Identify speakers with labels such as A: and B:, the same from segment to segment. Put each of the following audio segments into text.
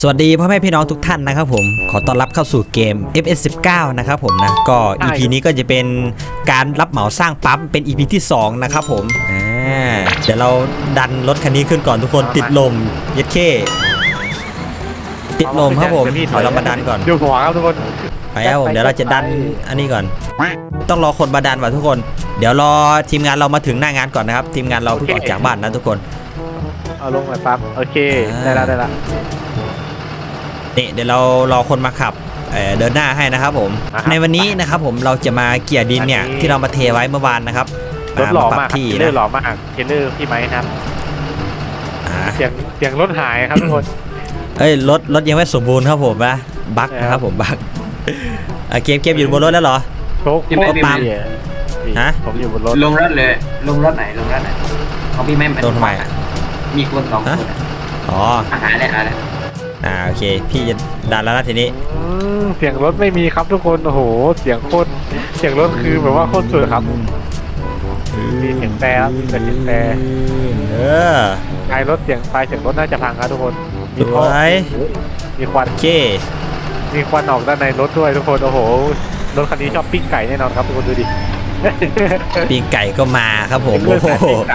A: สวัสดีพ่อแม่พี่น้องทุกท่านนะครับผมขอต้อนรับเข้าสู่เกม FS19 นะครับผมนะก็ EP นี้ก็จะเป็นการรับเหมาสร้างปั๊มเป็น EP ที่2นะครับผมเดี๋ยวเราดันรถคันนี้ขึ้นก่อนทุกคนติดลมเย็ดเข้ติดลมครับผมเดี๋ยวเรามาดันก่อน
B: ดูหัวครับทุกคน
A: ไปครับผมเดี๋ยวเราจะดันอันนี้ก่อนต้องรอคนมาดันว่ะทุกคนเดี๋ยวรอทีมงานเรามาถึงหน้างานก่อนนะครับทีมงานเราเพิ่งออกจากบ้านนะทุกคน
B: เอาลงหน่อยปั๊บโอเคได้ละ
A: นี่เดี๋ยวเรารอคนมาขับเดินหน้าให้นะครับผมในวันนี้นะครับผมเราจะมาเกี่ยดินเนี่ยที่เรามาเทไว้เมื่อวานนะครับ
B: รถหล่อ
A: ปรับ
B: มาก
A: ที่
B: เทเลอร์หล่อมากเทเลอร์พี่ไม้ครับเสียงรถหายครับทุกคน
A: รถยังไม่สมบูรณ์ครับผมนะบั๊กนะครับผมบั๊กเกมอยู่บนรถแล้วเหรอ
B: โชคปั๊มฮะผมอยู่บนรถ
C: ลงรถเลยลงรถไหนเขาพี่ไม่
A: ลงทำไม
C: มีคน2 คน
A: อ๋อ
C: อาหารอะไร
A: โอเคพี่จะดันแล้วนะทีนี้
B: เสียงรถไม่มีครับทุกคนโอ้โหเสียงรถคือแบบว่าโคตรสวยครับมีเสียงแต่มีแต่เสียงแต่ไฟรถเสียงรถน่าจะพังครับทุกคนมีควัน
A: โอเค
B: มีควันออกด้านในรถด้วยทุกคนโอ้โหรถคันนี้ชอบปิ้งไก่แน่นอนครับทุกคนดูดิ
A: ปิ้งไก่ก็มาครับผม
B: โอ้โหปิ้งไก่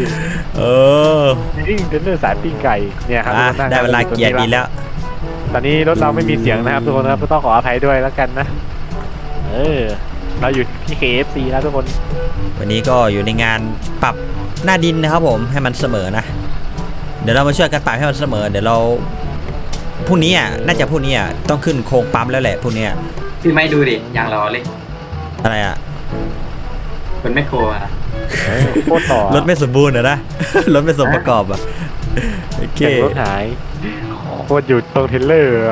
B: นี่เดินเรื่องสายปิ้งไก่เนี่ยครับ
A: ได้เวลาเกียร์ดีแล้ว
B: ตอนนี้รถเราไม่มีเสียงนะครับทุกคนครับต้องขออภัยด้วยแล้วกันนะเราอยู่ที่ KFC แล้วทุกคน
A: วันนี้ก็อยู่ในงานปรับหน้าดินนะครับผมให้มันเสมอนะเดี๋ยวเรามาช่วยกันปรับให้มันเสมอเดี๋ยวเราพรุ่งนี้น่าจะพรุ่งนี้ต้องขึ้นโครงปั๊มแล้วแหละพรุ่งนี้
C: พี่ไม่ดูดิอย่างรอเลย
A: อะไร
C: คนไม่โค
B: โคตรต่อ
A: รถไม่สมบูรณ์นะรถไม่สมประกอบโอเค
B: รถหายโคตรอยู่ตรงเทเลอร์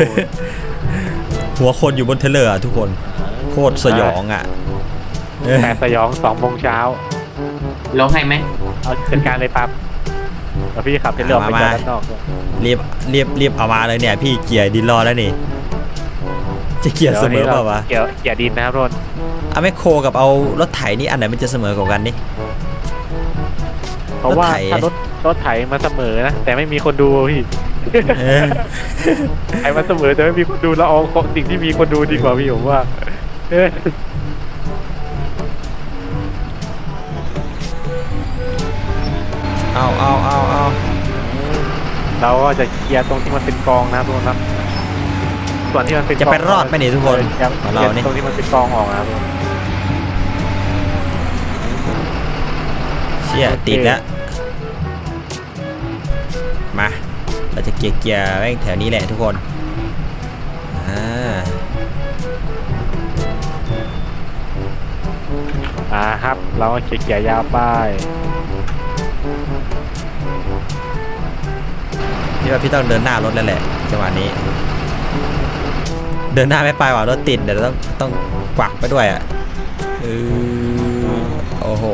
A: หัวคนอยู่บนเทเลอร์ทุกคนโคตรสยอง
B: แต่สยอง2 โมงเช้า
C: ลงให้ไหม
B: เอาจัดการเลยปั๊บแล้วพี่ขับเทเลอร์ไปจอดด้านนอก
A: รีบเอามาเลยเนี่ยพี่เกียร์ดินรอแล้วนี่จะเกียร์เสมอเปล่าวะ
B: เกียร์ดินนะครับรถ
A: เอาแมคโครกับเอารถไถนี่อันไหนมันจะเสมอกว่ากันนี่
B: เพราะว่าถ้ารถไถมาเสมอนะแต่ไม่มีคนดูพี่ไถมาเสมอแต่ไม่มีคนดูแล้วเอาสิ่งที่มีคนดูดีกว่าพี่ผมว่า
A: เอา
B: เราก็จะเคลียร์ตรงที่มันเป็นกองนะครับทุกคนครับส่วนที่มันเป็น
A: จะไปรอดไหมนี่ทุกคน
B: เราตรงที่มันเป็นกองออกนะครับ
A: เชี่ยติดแล้วมาเราจะเกียร์แม่งแถวนี้แหละทุกคน
B: ครับเราเกียร์ยาวไป
A: พี่ต้องเดินหน้ารถแล้วแหละจังหวะนี้เดินหน้าไม่ไปว่ะรถติดเดี๋ยวต้องกวักไปด้วยโอ้โห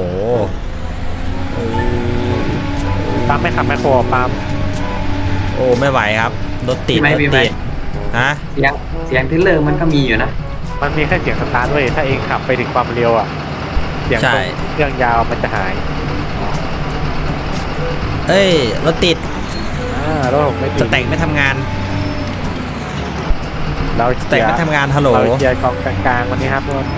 B: ปั๊มไม่ขับแมคโครปั๊ม
A: โอ้ไม่ไหวครับรถติดฮะ
C: เสียงเทเลอร์มันก็มีอยู่นะ
B: มันมีแค่เสียงสตาร์ทด้วยถ้าเองขับไปถึงความเร็วเสียงเครื่องยาวมันจะหาย
A: รถติด
B: รถไม่ติด
A: สแต็กไม่ทำงาน
B: เรา
A: สแต็กไม่ทำงานฮัลโหล
B: เราเกียร์กองกลางวันนี้ครับทุกคน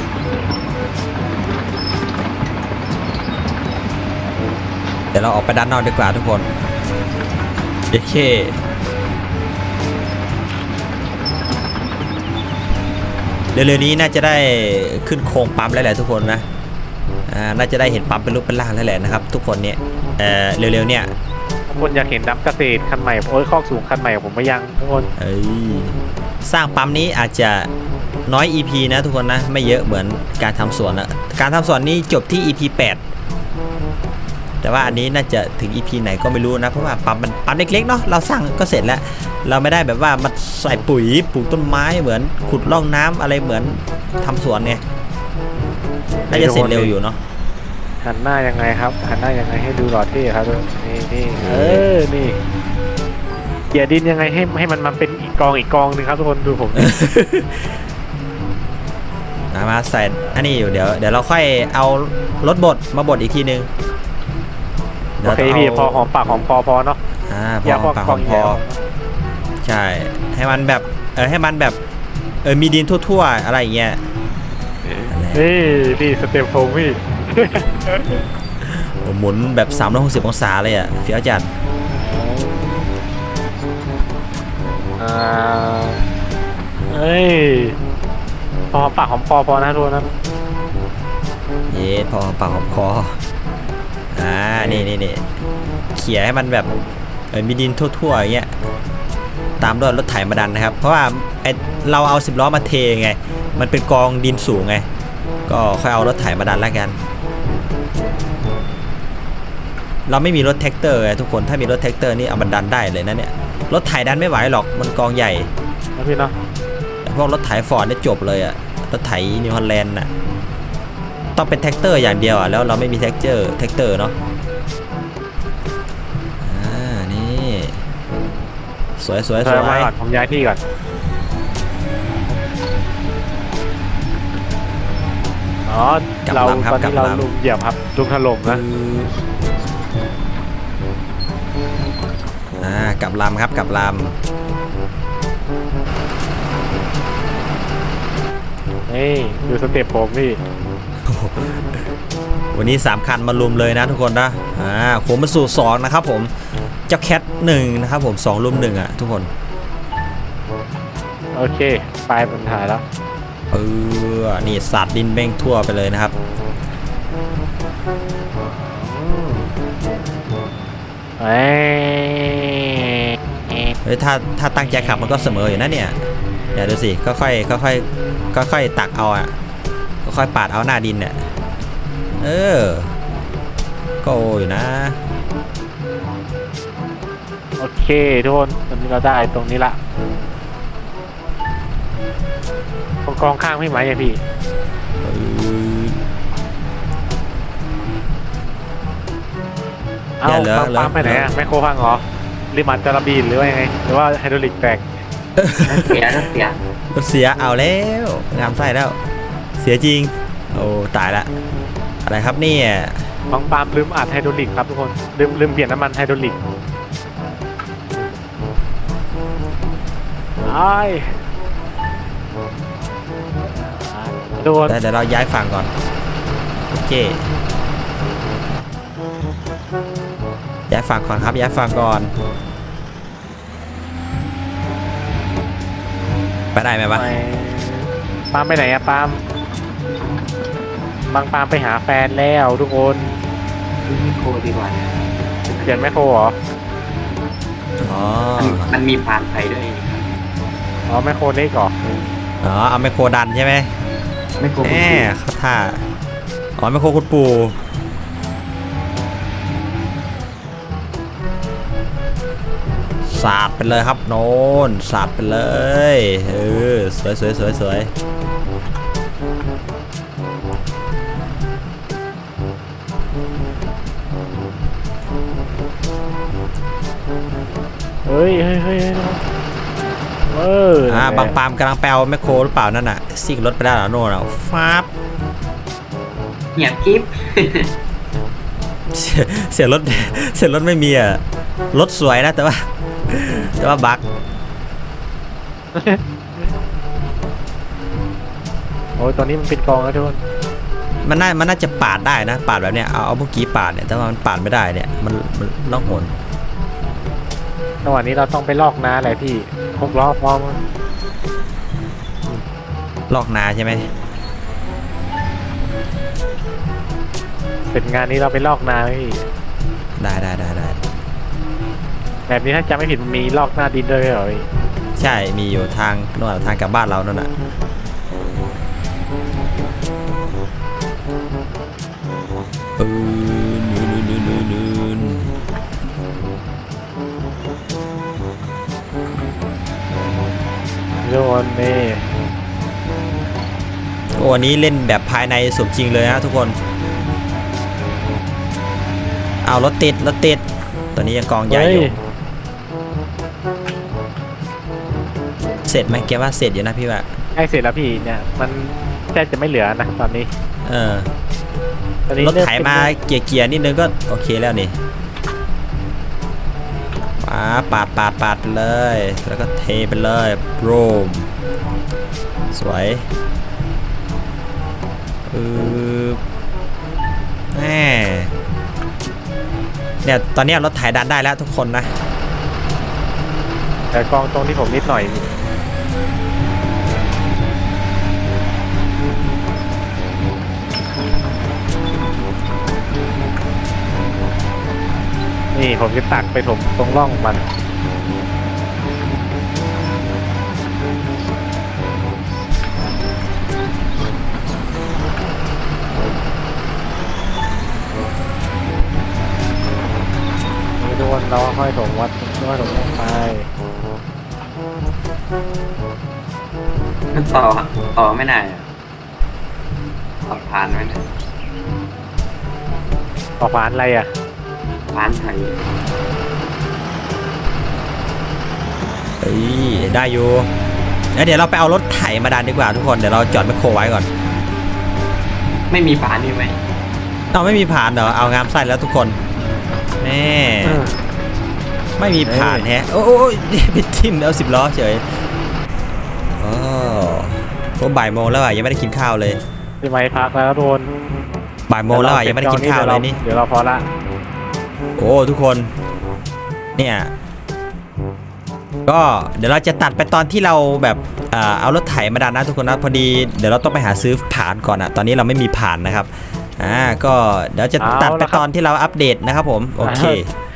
A: เดี๋ยวเราออกไปด้านนอกดีกว่าทุกคนโอเคเร็วๆนี้น่าจะได้ขึ้นโครงปั๊มแล้วแหละทุกคนนะน่าจะได้เห็นปั๊มเป็นรูปเป็นร่างแล้วแหละนะครับทุกคนเนี่ยเร็วๆเนี่ย
B: คนอยากเห็นน้ำเกษตรคันใหม่คอกสูงคันใหม่ผมไม่ยังทุกคน
A: สร้างปั๊มนี้อาจจะน้อย EP นะทุกคนนะไม่เยอะเหมือนการทำสวนนะการทำสวนนี้จบที่ EP 8แต่ว่าอันนี้น่าจะถึง EP ไหนก็ไม่รู้นะเพราะว่าปั๊มมันปั๊มเล็กๆเนาะเราสร้างก็เสร็จแล้วเราไม่ได้แบบว่ามาใส่ปุ๋ยปลูกต้นไม้เหมือนขุดร่องน้ำอะไรเหมือนทำสวนเนี่ยน่าจะเสร็จเร็วอยู่เนาะ
B: หันหน้ายังไงครับหันหน้ายังไงให้ดูหล่อเท่ครับนี่นี่เกียร์ดินยังไงให้มันมาเป็นอีกกองนึงครับทุกคนดูผม
A: มาใส่อันนี้อยู่เดี๋ยวเราค่อยเอารถบดมาบดอีกทีนึง
B: โอเคพี่พอหอมปากหอมคอพอเนาะ
A: พอหอมปากหอมคอใช่ให้มันแบบให้มันแบบมีดินทั่วๆอะไรอย่างเงี้ย
B: นี่สเต็ปโฟมพี่
A: หมุนแบบ360องศาเลยอ่ะเฟี้ยวจัด
B: เอ้ยพอปากหอมคอพอนะทุกคนนะ
A: เย็ดพอปากหอมคอนี่เขี่ยให้มันแบบมีดินทั่วๆอย่างเงี้ยตามด้วยรถไถมาดันนะครับเพราะว่าเราเอา10 ล้อมาเทไงมันเป็นกองดินสูงไงก็ค่อยเอารถไถมาดันแล้วกันเราไม่มีรถแท็กเตอร์ไงทุกคนถ้ามีรถแท็กเตอร์นี่เอามาดันได้เลยนะเนี่ยรถไถดันไม่ไหวหรอกมันกองใหญ่
B: นะพี่เนาะ
A: แต่พวกรถไถฟอร์ดเนี่ยจบเลยอะรถไถนิวฮอลแลนด์น่ะต้องเป็นแท็กเตอร์อย่างเดียวอะแล้วเราไม่มีแท็กเตอร์เนาะนี่สวย
B: มาก่อนผมย้ายที่ก่อนอ๋อเราตอนนี้เราลุมเหยียบครับลุมถล่มนะ
A: กลับลำครับกลับลำ
B: นี่ดูสเต็ปผมพี่
A: วันนี้3 คันมารวมเลยนะทุกคนนะผมมาสู่2นะครับผมเจ้าแคท1นะครับผม2 รุม 1อ่ะทุกคน
B: โอเคปลายบนถ่ายแล้ว
A: นี่สาดดินแม่งทั่วไปเลยนะครับเฮ้ยถ้าตั้งใจขับมันก็เสมออยู่นะเนี่ยอย่าดูสิค่อยตักเอาอ่ะค่อยปาดเอาหน้าดินเนี่ยก็อยู่นะ
B: โอเคทุกคนตอนนี้เราได้ตรงนี้ละกองข้างพี่ไหมอะพี่เอาปั๊มไปไหนอะแมคโครพังเหรอริมันจะระบีนหรือว่ายังไงหรือว่าไฮดรอลิกแตก
C: เสีย
A: เอาแล้วงามไส้แล้วเสียจริงโอ้ตายละอะไรครับเนี่ย
B: บางปามลืมอัดไฮดรอลิกครับทุกคนลืมเปลี่ยนน้ำมันไฮดรอลิกโดน
A: เดี๋ยวเราย้ายฝั่งก่อนโอเคย้ายฝั่งก่อนครับย้ายฝั่งก่อนไปได้ไหมวะ
B: ปามไปไหนอะปามบางปามไปหาแฟนแล้วทุกคน
C: ซื้อไมโครดีกว่า
B: เปลี่ยนแมคโครเหรอ
C: มันมีพานไทยด้วย
B: แมคโครเล็กเหรอ
A: เอาไมโครดันใช่ไหม
C: ไมโคร
A: เขาท่าไมโครคุณปู่สาดไปเลยครับโน่นสาดไปเลยสวย
B: เฮ้ย
A: บางปามกำลังแปลแมคโครหรือเปล่านั่นน่ะซิ่งรถไปได้หรอโน่นอ่ะฟ้าบ
C: เงียบกิ๊บ
A: เสียรถไม่มีอ่ะรถสวยนะแต่ว่าบั๊ก
B: โอ้ยตอนนี้มันเป็นกองแล้วทุกคน
A: มันน่าจะปาดได้นะปาดแบบเนี้ยเอาเมื่อกี้ปาดเนี่ยแต่ว่ามันปาดไม่ได้เนี่ยมันล่องหน
B: จังหวะนี้เราต้องไปลอกนาอะไรพี่6 ล้อพร้อม
A: ลอกนาใช่ไหม
B: เป็นงานนี้เราไปลอกนาพี่
A: ได้
B: แบบนี้ถ้าจำไม่ผิดมันมีลอกหน้าดินด้วยเหรอ
A: ใช่มีอยู่ทางโน่นทางกลับบ้านเรานั่นน่ะ
B: โดนนี่
A: วันนี้เล่นแบบภายในสมจริงเลยนะทุกคนเอารถติดตอนนี้ยังกองใหญ่อยู่เสร็จไหมแกว่าเสร็จอยู่นะพี่ว่า
B: ใช่เสร็จแล้วพี่เนี่ยมันแทบจะไม่เหลือนะตอนนี้
A: รถไถมาเกียร์นิดนึงก็โอเคแล้วนี่ปาดไปเลย แล้วก็เทไปเลยโรมสวยแม่เนี่ยตอนนี้รถไถดันได้แล้วทุกคนนะ
B: แต่กองตรงที่ผมนิดหน่อยนี่ผมจะตักไปถมตรงร่องมันนี่ทุกคนเราค่อยถมวัดค่อยถมลงไป
C: มันต่อไม่ได้อะต่อผ่านไว้นะ
B: ต่อผ่านอะไรอ่ะ
C: ผ่านไทย
A: เอ้ยได้อยู่แล้วเดี๋ยวเราไปเอารถไถมาดันดีกว่าทุกคนเดี๋ยวเราจอดแมคโครไว้ก่อน
C: ไม่มีผ่านนี่ไหม
A: เอาไม่มีผ่านเหรอเอางามไส้แล้วทุกคนแม่ไม่มีผ่านแฮะโอ้ยไปทิ่มเอา10 ล้อเฉยโอ้บ่ายโมงแล้วอ่ะยังไม่ได้กินข้าวเลย
B: พี่ไม้พักแล้วโดน
A: บ่ายโมงแล้วอ่ะยังไม่ได้กินข้าวเลยนี่
B: เดี๋ยวเราพอละ
A: โอ้ทุกคนเนี่ยก็เดี๋ยวเราจะตัดไปตอนที่เราแบบเอารถไถมาดันนะทุกคนนะพอดีเดี๋ยวเราต้องไปหาซื้อผ่านก่อนอะตอนนี้เราไม่มีผ่านนะครับก็เดี๋ยวจะตัดไปตอนที่เราอัปเดตนะครับผมโอเค